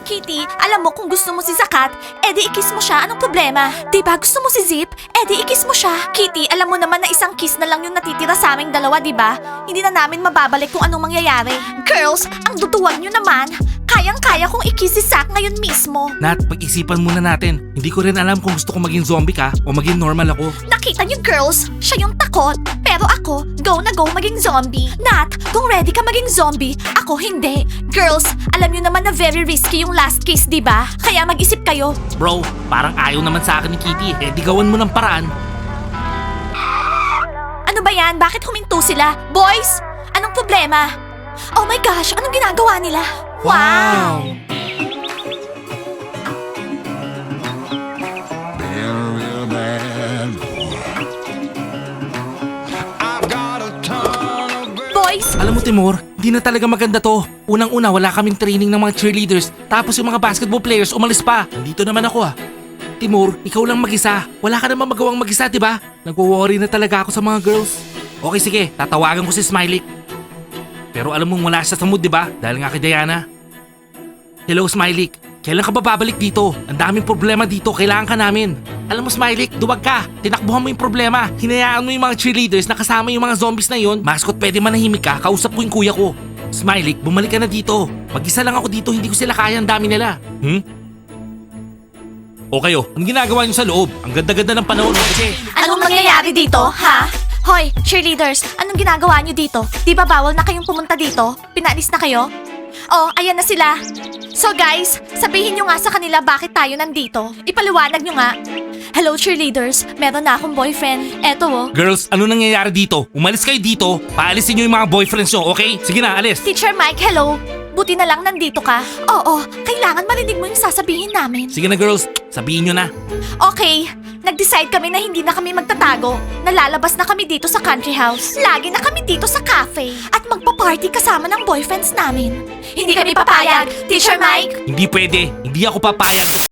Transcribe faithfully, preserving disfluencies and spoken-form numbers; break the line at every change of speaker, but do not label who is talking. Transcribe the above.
Kitty, alam mo kung gusto mo si Zakat, edi ikis mo siya, anong problema? Diba gusto mo si Zip, edi ikis mo siya. Kitty, alam mo naman na isang kiss na lang yung natitira sa aming dalawa, diba? Hindi na namin mababalik kung anong mangyayari. Girls, ang duduwag nyo naman. Kayang-kaya kong ikis si Zack ngayon mismo.
Nat, pag-isipan muna natin. Hindi ko rin alam kung gusto ko maging zombie ka o maging normal ako.
Nakita niyo girls, siya yung takot. Pero ako, go na go maging zombie. Nat, kung ready ka maging zombie, ako hindi. Girls, alam niyo naman na very risky yung last kiss, di ba? Kaya mag-isip kayo.
Bro, parang ayaw naman sa akin ni Kitty. Eh, di gawan mo ng paraan.
Ano ba yan? Bakit huminto sila? Boys, anong problema? Oh my gosh, anong ginagawa nila? Wow!
Real bad. I've got a ton of
Boys,
Alam mo, Timur, hindi na talaga maganda to. Unang-una, wala kaming training ng mga cheerleaders. Tapos yung mga basketball players umalis pa. Nandito naman ako ah. Timur, ikaw lang mag-isa. Wala ka naman magawang mag-isa, di ba? Nagwo-worry na talaga ako sa mga girls. Okay, sige. Tatawagan ko si Smiley. Pero alam mong wala siya sa mood, di ba? Dahil nga kay Diana. Hello, Smiley. Kailan ka ba babalik dito? Ang daming problema dito. Kailangan ka namin. Alam mo, Smiley, duwag ka. Tinakbuhan mo yung problema. Hinayaan mo yung mga cheerleaders na kasama yung mga zombies na yon. Mascot, pwede manahimik ka. Kausap ko yung kuya ko. Smiley, bumalik ka na dito. Mag-isa lang ako dito. Hindi ko sila kaya. Ang dami nila. Hmm? O kayo, anong ginagawa niyo sa loob? Ang ganda-ganda ng panahon. Kasi
anong mangyayari dito, ha? Hoy, cheerleaders, anong ginagawa niyo dito? Di ba bawal na kayong pumunta dito? Pinaalis na kayo? Oh, ayan na sila. So guys, sabihin nyo nga sa kanila bakit tayo nandito. Ipaliwanag nyo nga. Hello cheerleaders, meron na akong boyfriend. Eto oh.
girls, ano nangyayari dito? Umalis kayo dito. Paalisin niyo yung mga boyfriends nyo, okay? Sige na, alis.
Teacher Mike, hello. Buti na lang nandito ka. Oo, kailangan marinig mo yung sasabihin namin.
Sige na, girls. Sabihin nyo na.
Okay, nag-decide kami na hindi na kami magtatago. Nalalabas na kami dito sa country house. Lagi na kami dito sa cafe. At magpa-party kasama ng boyfriends namin. Hindi kami papayag, Teacher Mike.
Hindi pwede. Hindi ako papayag.